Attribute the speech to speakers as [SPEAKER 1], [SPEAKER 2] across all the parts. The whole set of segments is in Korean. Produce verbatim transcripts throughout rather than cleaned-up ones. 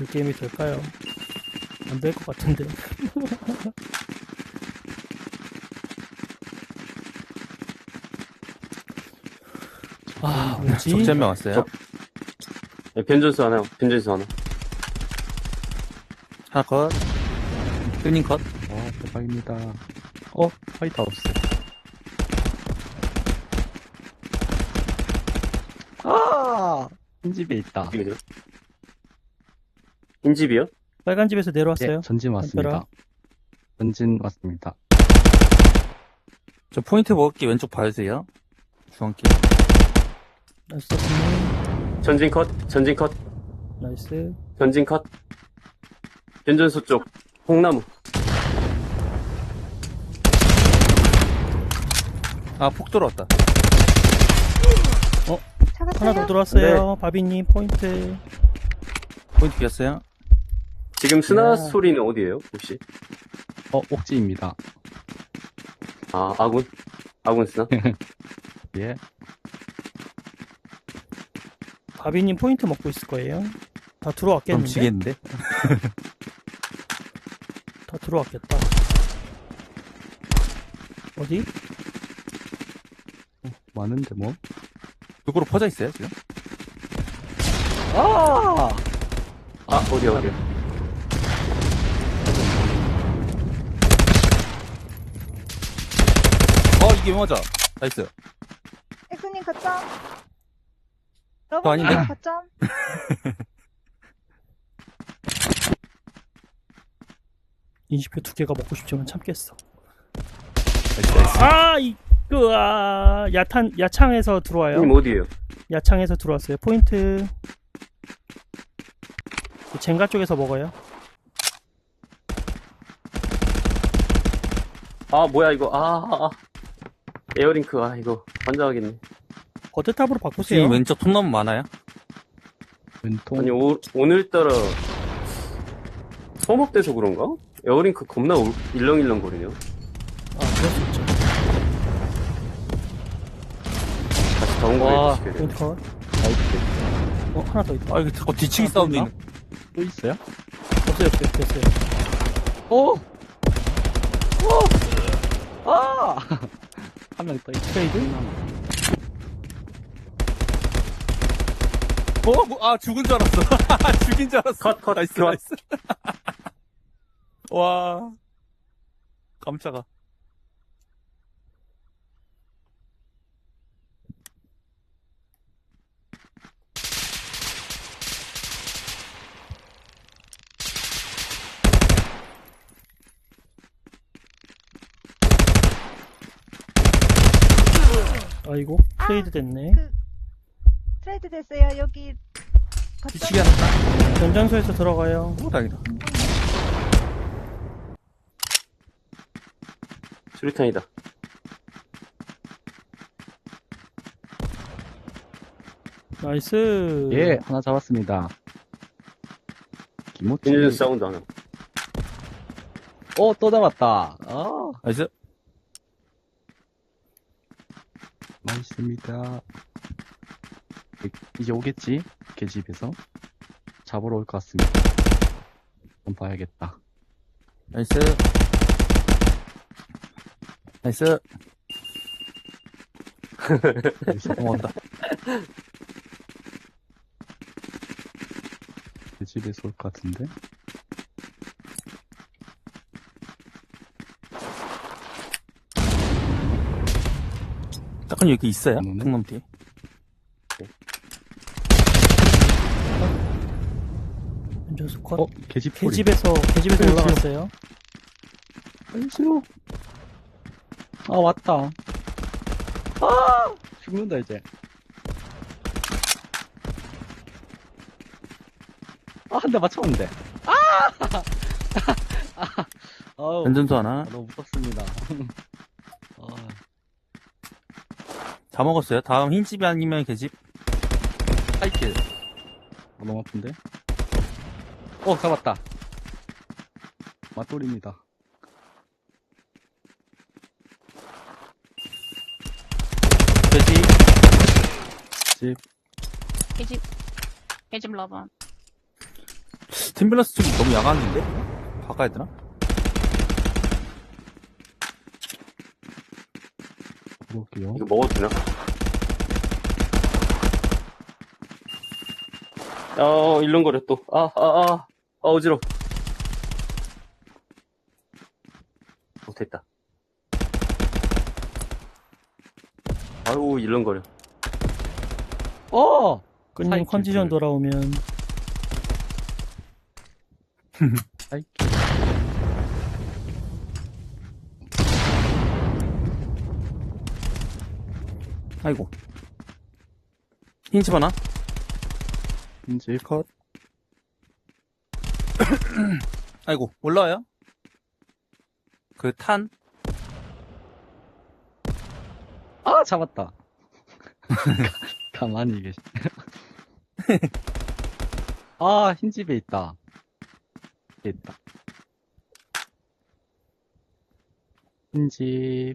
[SPEAKER 1] 그 게임이 될까요? 안 될 것 같은데. 아, 뭐지?
[SPEAKER 2] 적지 한 명 왔어요.
[SPEAKER 3] 적- 네, 변전수 하나, 변전수 하나.
[SPEAKER 2] 하나 컷. 끈님 컷.
[SPEAKER 4] 와, 대박입니다. 어, 화이트하우스. 아! 흰집에 있다.
[SPEAKER 3] 어디죠? 인집이요?
[SPEAKER 1] 빨간 집에서
[SPEAKER 4] 예,
[SPEAKER 1] 내려왔어요.
[SPEAKER 4] 전진 왔습니다.
[SPEAKER 1] 담벼락.
[SPEAKER 4] 전진 왔습니다.
[SPEAKER 2] 저 포인트 먹을게 왼쪽 봐주세요. 중앙길.
[SPEAKER 1] 나이스, 님
[SPEAKER 3] 전진 컷, 전진 컷,
[SPEAKER 1] 나이스.
[SPEAKER 3] 전진 컷. 변전수 쪽, 홍나무.
[SPEAKER 2] 아, 폭 들어왔다.
[SPEAKER 1] 하나 더
[SPEAKER 5] 잡았어요?
[SPEAKER 1] 들어왔어요. 바비님 포인트.
[SPEAKER 2] 포인트 비었어요.
[SPEAKER 3] 지금 스나
[SPEAKER 1] 야.
[SPEAKER 3] 소리는 어디에요, 혹시?
[SPEAKER 4] 어, 옥지입니다.
[SPEAKER 3] 아, 아군? 아군 스나?
[SPEAKER 4] 예.
[SPEAKER 1] 바비님 포인트 먹고 있을 거예요. 다
[SPEAKER 2] 그럼
[SPEAKER 1] 들어왔겠는데?
[SPEAKER 2] 지겠는데?
[SPEAKER 1] 다 들어왔겠다. 어디?
[SPEAKER 4] 많은데, 뭐?
[SPEAKER 2] 쪽으로 퍼져 있어요, 지금?
[SPEAKER 4] 아!
[SPEAKER 3] 아, 어디야, 어디야.
[SPEAKER 2] 어, 이게 맞아. 나이스.
[SPEAKER 5] 엑스님 거점.
[SPEAKER 2] 저
[SPEAKER 5] 러브님
[SPEAKER 2] 아닌데?
[SPEAKER 5] 거점.
[SPEAKER 1] 인식표 두 개가 먹고 싶지만 참겠어.
[SPEAKER 2] 나이스, 나이스.
[SPEAKER 1] 아, 이, 그, 아, 야탄, 야창에서 들어와요.
[SPEAKER 3] 형님 어디에요?
[SPEAKER 1] 야창에서 들어왔어요. 포인트. 젠가 쪽에서 먹어요.
[SPEAKER 3] 아, 뭐야, 이거. 아, 아, 아. 에어링크, 아, 이거. 환장하겠네.
[SPEAKER 1] 거대탑으로 바꾸세요.
[SPEAKER 2] 지금 왼쪽 통나무 많아요?
[SPEAKER 4] 왼통.
[SPEAKER 3] 아니, 오, 오늘따라. 소목돼서 그런가? 에어링크 겁나 울- 일렁일렁 거리네요.
[SPEAKER 1] 아, 그럴 수 있죠.
[SPEAKER 3] 다시 다운
[SPEAKER 2] 와,
[SPEAKER 3] 거에 시켜야 돼.
[SPEAKER 1] 포인트 컷.
[SPEAKER 4] 나이스.
[SPEAKER 1] 어, 하나 더 있다.
[SPEAKER 2] 아, 이거 자꾸 뒤치기
[SPEAKER 1] 아,
[SPEAKER 2] 사운드
[SPEAKER 1] 있나?
[SPEAKER 2] 있는.
[SPEAKER 4] 또 있어요?
[SPEAKER 1] 없어요, 없어요, 됐어요.
[SPEAKER 4] 오! 오! 아! 한 명 더 있어.
[SPEAKER 1] 트레이드?
[SPEAKER 2] 어? 뭐, 아, 죽은 줄 알았어. 죽인 줄 알았어.
[SPEAKER 3] 컷, 컷,
[SPEAKER 2] 나이스,
[SPEAKER 3] 컷.
[SPEAKER 2] 나이스. 와. 깜짝아.
[SPEAKER 1] 아이고, 트레이드 됐네.
[SPEAKER 5] 그 트레이드 됐어요. 여기 거점.
[SPEAKER 2] 뒤치기 하나.
[SPEAKER 1] 전장소에서 들어가요.
[SPEAKER 2] 오, 다행이다.
[SPEAKER 3] 수리탄이다.
[SPEAKER 1] 나이스.
[SPEAKER 4] 예, 하나 잡았습니다. 김호치.
[SPEAKER 3] 변전수 사운드 하나.
[SPEAKER 4] 어, 또 잡았다. 아,
[SPEAKER 2] 나이스.
[SPEAKER 4] 맛있습니다. 이제 오겠지? 개집에서. 잡으러 올 것 같습니다. 한번 봐야겠다.
[SPEAKER 2] 나이스. 나이스.
[SPEAKER 4] 여기서
[SPEAKER 2] 고맙다.
[SPEAKER 4] 개집에서 올 것 같은데?
[SPEAKER 2] 딱한 여기 있어요?
[SPEAKER 4] 없네.
[SPEAKER 2] 통나무 뒤에.
[SPEAKER 1] 전장소 컷.
[SPEAKER 4] 어, 개집 소리.
[SPEAKER 1] 개집에서, 개집에서
[SPEAKER 4] 개집.
[SPEAKER 1] 올라갔어요.
[SPEAKER 4] 안시로. 아, 왔다. 아! 죽는다, 이제. 아, 한 대 맞췄는데. 아! 아! 아우,
[SPEAKER 2] 변전소 하나.
[SPEAKER 4] 너무 무섭습니다. 아,
[SPEAKER 2] 다 먹었어요. 다음 흰집이 아니면 개집. 하이킬.
[SPEAKER 4] 아, 너무 아픈데? 어, 잡았다. 맞돌입니다.
[SPEAKER 2] 돼지.
[SPEAKER 4] 집.
[SPEAKER 6] 개집 개집 러번
[SPEAKER 2] 스팀밸런스 쪽이 너무 야간인데? 바꿔야 되나?
[SPEAKER 4] 볼게요.
[SPEAKER 3] 이거 먹어도 되나? 어, 일렁거려, 또. 아, 아, 아. 아, 어지러워. 어, 됐다. 아유, 일렁거려.
[SPEAKER 4] 어!
[SPEAKER 1] 끈님
[SPEAKER 4] 사이클
[SPEAKER 1] 컨디션
[SPEAKER 4] 둘.
[SPEAKER 1] 돌아오면
[SPEAKER 4] 사이클.
[SPEAKER 2] 아이고. 흰집 하나?
[SPEAKER 4] 인지
[SPEAKER 2] 컷. 아이고, 올라와요? 그 탄?
[SPEAKER 4] 아, 잡았다. 가만히 계시. 아, 흰집에 있다. 여기 있다. 흰집.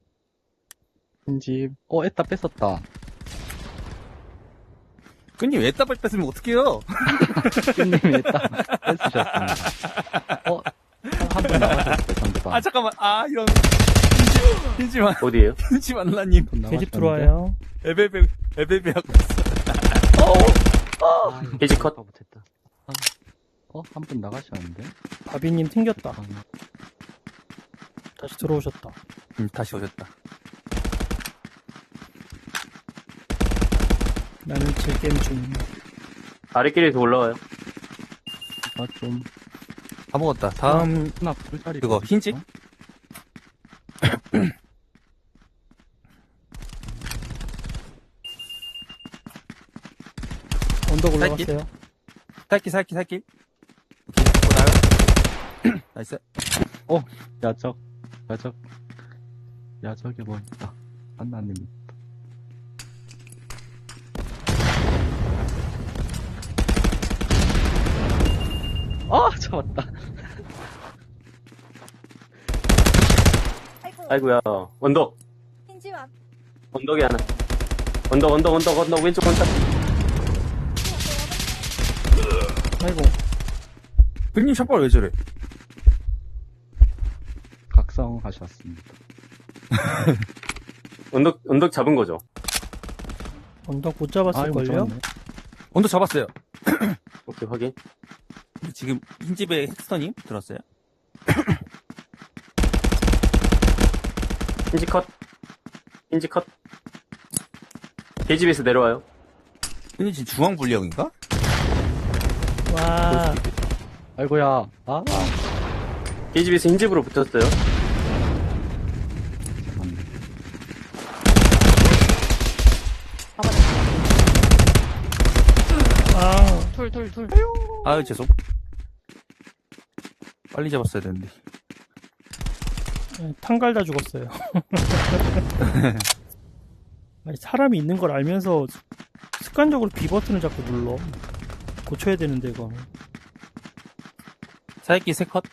[SPEAKER 4] 흰집. 어, 에따 뺐었다.
[SPEAKER 2] 끈님 왜 따발 뺐으면 어떡해요?
[SPEAKER 4] 깻님이 에따 뺐으셨습니다. 어, 한 분 나가셨어요, 상대방.
[SPEAKER 2] 아, 잠깐만. 아, 이런. 흰집, 흰집, 안-
[SPEAKER 3] 어디에요?
[SPEAKER 2] 흰집 안나님.
[SPEAKER 4] 분
[SPEAKER 1] 계집
[SPEAKER 4] 나가셨는데?
[SPEAKER 1] 들어와요.
[SPEAKER 2] 에베베, 에베베 하고 있어.
[SPEAKER 4] 아,
[SPEAKER 3] 돼지 컷.
[SPEAKER 4] 못했다. 어, 한 분 나가셨는데?
[SPEAKER 1] 바비님 튕겼다.
[SPEAKER 4] 아,
[SPEAKER 1] 다시 들어오셨다.
[SPEAKER 2] 음, 다시 오셨다.
[SPEAKER 1] 나는 즐겜 중.
[SPEAKER 3] 아래끼리도 올라와요.
[SPEAKER 4] 아, 좀.
[SPEAKER 2] 다 먹었다. 다음,
[SPEAKER 4] 하나 풀자리.
[SPEAKER 2] 그거, 흰집?
[SPEAKER 1] 언덕
[SPEAKER 2] 살길?
[SPEAKER 1] 올라갔어요.
[SPEAKER 2] 살길, 살길, 살길. 오케이, 또 나요. 나이스.
[SPEAKER 4] 야적, 야적, 야적에 뭐 있다. 한나님. 아, 잡았다.
[SPEAKER 5] 아이고.
[SPEAKER 3] 아이고야. 언덕.
[SPEAKER 5] 흰집 앞.
[SPEAKER 3] 언덕에 하나. 언덕, 언덕, 언덕, 언덕, 왼쪽 언덕.
[SPEAKER 1] 아이고.
[SPEAKER 2] 끈님 샷발 왜 저래?
[SPEAKER 4] 각성하셨습니다.
[SPEAKER 3] 언덕, 언덕 잡은 거죠.
[SPEAKER 1] 언덕 못
[SPEAKER 4] 아이고,
[SPEAKER 1] 잡았을걸요?
[SPEAKER 4] 잡았네.
[SPEAKER 2] 언더 잡았어요.
[SPEAKER 3] 오케이, 확인.
[SPEAKER 2] 근데 지금 흰집에 헥스터님 들었어요?
[SPEAKER 3] 힌지 컷. 힌지 컷. 계집에서 내려와요.
[SPEAKER 2] 끈님 지금 중앙 불량인가?
[SPEAKER 1] 와,
[SPEAKER 4] 아이고야. 아,
[SPEAKER 3] 계집에서 흰집으로 붙었어요.
[SPEAKER 4] 잡았네.
[SPEAKER 1] 아,
[SPEAKER 6] 둘, 둘, 둘.
[SPEAKER 2] 아유, 죄송. 빨리 잡았어야 되는데.
[SPEAKER 1] 탄 갈다 죽었어요. 아니, 사람이 있는 걸 알면서 습관적으로 B 버튼을 자꾸 눌러. 고쳐야 되는데, 이거.
[SPEAKER 2] 사이키 세 컷.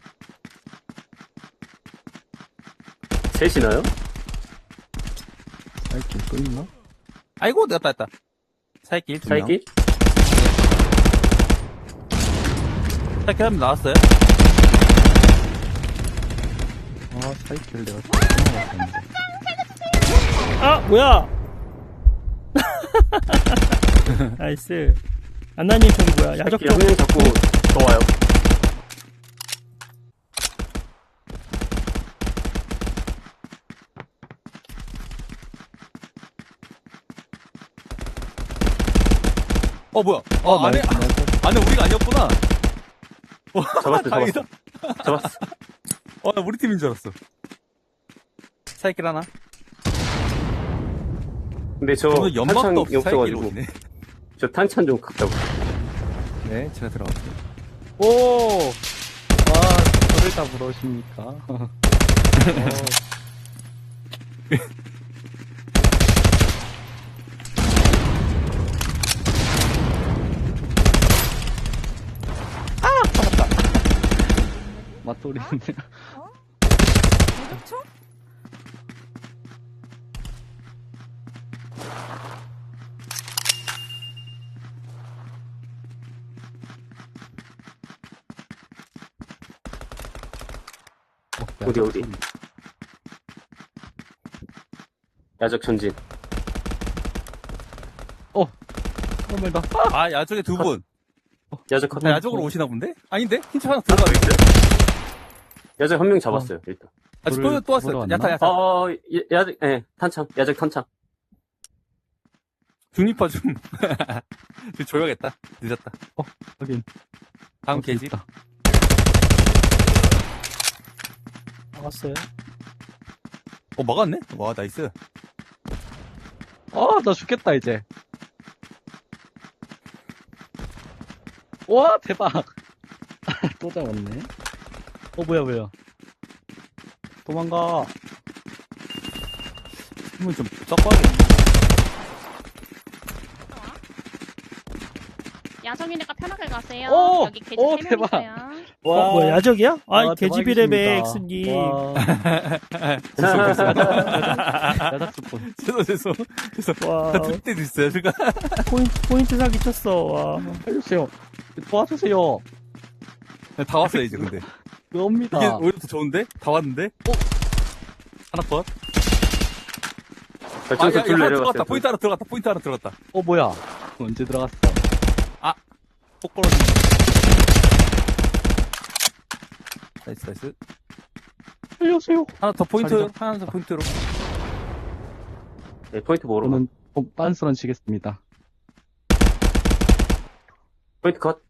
[SPEAKER 3] 셋이나요?
[SPEAKER 4] 사이클 끌나?
[SPEAKER 2] 아이고, 내가 땄다. 사이키 두 명.
[SPEAKER 3] 사이키?
[SPEAKER 2] 사이키 한 명 나왔어요?
[SPEAKER 4] 아, 사이클 내가 끌어먹었는데.
[SPEAKER 1] 아, 뭐야! 나이스. 안나님 저기 뭐야? 야적 쪽.
[SPEAKER 3] 한명 자꾸 더 와요.
[SPEAKER 2] 어, 뭐야? 어, 안에,
[SPEAKER 4] 나이스, 나이스.
[SPEAKER 2] 안에 우리가 아니었구나.
[SPEAKER 3] 잡았어,
[SPEAKER 2] 다행이다.
[SPEAKER 3] 잡았어. 잡았어.
[SPEAKER 2] 어, 나 우리 팀인 줄 알았어. 사이킬 하나?
[SPEAKER 3] 근데 저
[SPEAKER 2] 오늘 연막도
[SPEAKER 3] 탄창이
[SPEAKER 2] 없이 사이킬을
[SPEAKER 3] 없어가지고
[SPEAKER 2] 보네.
[SPEAKER 3] 저 탄창 좀 갖다고.
[SPEAKER 2] 네, 제가 들어갈게요.
[SPEAKER 4] 오! 와, 저를 다 물어오십니까? 어. 맞돌이인데.
[SPEAKER 5] 어? 어디죠?
[SPEAKER 3] 어디, 어디? 야적 전진.
[SPEAKER 4] 정말 나.
[SPEAKER 2] 아, 야적에 두 분.
[SPEAKER 3] 야적 컷.
[SPEAKER 2] 아, 야적으로 오시나 본데? 아닌데? 힌트 하나 들어가고 있어요?
[SPEAKER 3] 야적 한 명 잡았어요, 일단.
[SPEAKER 2] 아, 또,
[SPEAKER 4] 불을
[SPEAKER 2] 또 왔어요.
[SPEAKER 4] 불어왔나?
[SPEAKER 2] 야타, 야타.
[SPEAKER 3] 어, 야- 야적, 예, 탄창. 야적 탄창.
[SPEAKER 2] 중립파 좀. 좀 줘야겠다. 늦었다.
[SPEAKER 4] 확인.
[SPEAKER 2] 다음
[SPEAKER 4] 어디
[SPEAKER 2] 계집.
[SPEAKER 4] 있다.
[SPEAKER 1] 나갔어요.
[SPEAKER 2] 어, 막았네? 와, 나이스.
[SPEAKER 4] 아, 나 죽겠다, 이제. 와, 대박. 또 잡았네. 어, 뭐야, 뭐야. 도망가.
[SPEAKER 2] 힘을 좀 섞어야겠네.
[SPEAKER 6] 야성이니까 편하게 가세요.
[SPEAKER 4] 오!
[SPEAKER 6] 여기 계집
[SPEAKER 4] 오,
[SPEAKER 6] 세 명
[SPEAKER 4] 대박.
[SPEAKER 6] 있어요.
[SPEAKER 1] 어, 뭐야, 야적이야? 아,
[SPEAKER 4] 와,
[SPEAKER 1] 개집이래매,
[SPEAKER 4] 대박이십니다.
[SPEAKER 1] 엑스님.
[SPEAKER 4] 와,
[SPEAKER 2] 됐어, 됐어.
[SPEAKER 4] 야작 스폰.
[SPEAKER 2] 죄송, 죄송. 죄송.
[SPEAKER 1] 와,
[SPEAKER 2] 나 들을 때도 있어요, 제가.
[SPEAKER 1] 포인트, 포인트 사기 쳤어, 와.
[SPEAKER 4] 해주세요. 도와주세요.
[SPEAKER 2] 다 왔어요, 이제, 근데.
[SPEAKER 4] 옵니다.
[SPEAKER 2] 이게 오히려 더 좋은데? 다 왔는데? 어? 하나 컷? 아,
[SPEAKER 3] 발전소
[SPEAKER 2] 야, 야,
[SPEAKER 3] 둘
[SPEAKER 2] 하나
[SPEAKER 3] 내려갔어요.
[SPEAKER 2] 들어갔다. 포인트 하나 들어갔다. 포인트 하나 들어갔다.
[SPEAKER 4] 어, 뭐야. 언제 들어갔어?
[SPEAKER 2] 폭 벌어진. 나이스, 나이스.
[SPEAKER 4] 살려주세요.
[SPEAKER 2] 하나 더 포인트,
[SPEAKER 4] 자기장.
[SPEAKER 2] 하나 더 포인트로.
[SPEAKER 3] 네, 포인트 모으러 가.
[SPEAKER 4] 저는 어, 빤스런 치겠습니다.
[SPEAKER 3] 포인트 컷.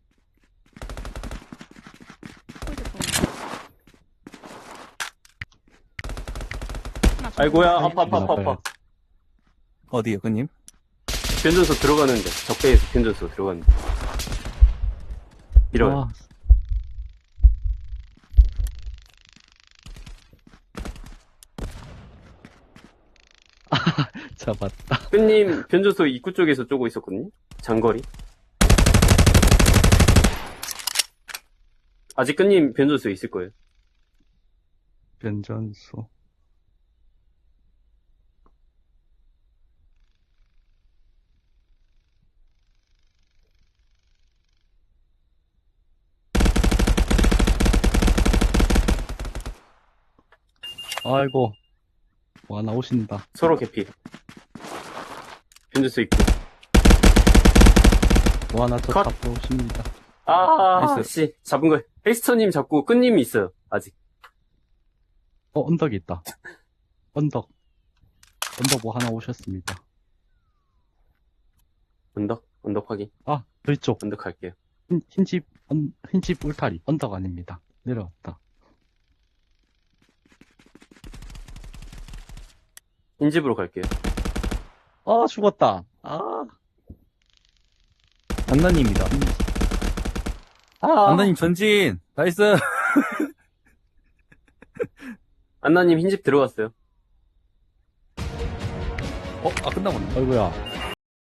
[SPEAKER 3] 아이고야, 아파, 아파, 아파, 아파.
[SPEAKER 2] 어디요, 그님?
[SPEAKER 3] 변전소 들어가는데. 적배에서 변전소 들어가는데. 이런.
[SPEAKER 4] 와, 잡았다.
[SPEAKER 3] 끝님, 변전소 입구 쪽에서 쪼고 있었거든요? 장거리. 아직 끝님 변전소 있을 거예요.
[SPEAKER 4] 변전소. 아이고. 와, 나오신다.
[SPEAKER 3] 서로 개피. 변전소 입구.
[SPEAKER 4] 와, 나저
[SPEAKER 3] 컷.
[SPEAKER 4] 잡고 오십니다.
[SPEAKER 3] 아,
[SPEAKER 2] 나이스.
[SPEAKER 3] 씨. 잡은 거예요. 헬스터님 잡고 끝님이 있어요. 아직.
[SPEAKER 4] 어, 언덕이 있다. 언덕. 언덕 뭐 하나 오셨습니다.
[SPEAKER 3] 언덕? 언덕 확인.
[SPEAKER 4] 아, 저쪽.
[SPEAKER 3] 언덕 갈게요.
[SPEAKER 4] 흰, 흰집, 언, 흰집 울타리. 언덕 아닙니다. 내려왔다.
[SPEAKER 3] 흰집으로 갈게요.
[SPEAKER 4] 아, 죽었다. 아,
[SPEAKER 2] 안나님입니다.
[SPEAKER 3] 아,
[SPEAKER 2] 안나님 전진. 나이스.
[SPEAKER 3] 안나님 흰집 들어갔어요.
[SPEAKER 2] 어, 아, 끝나버렸네.
[SPEAKER 4] 아이고야.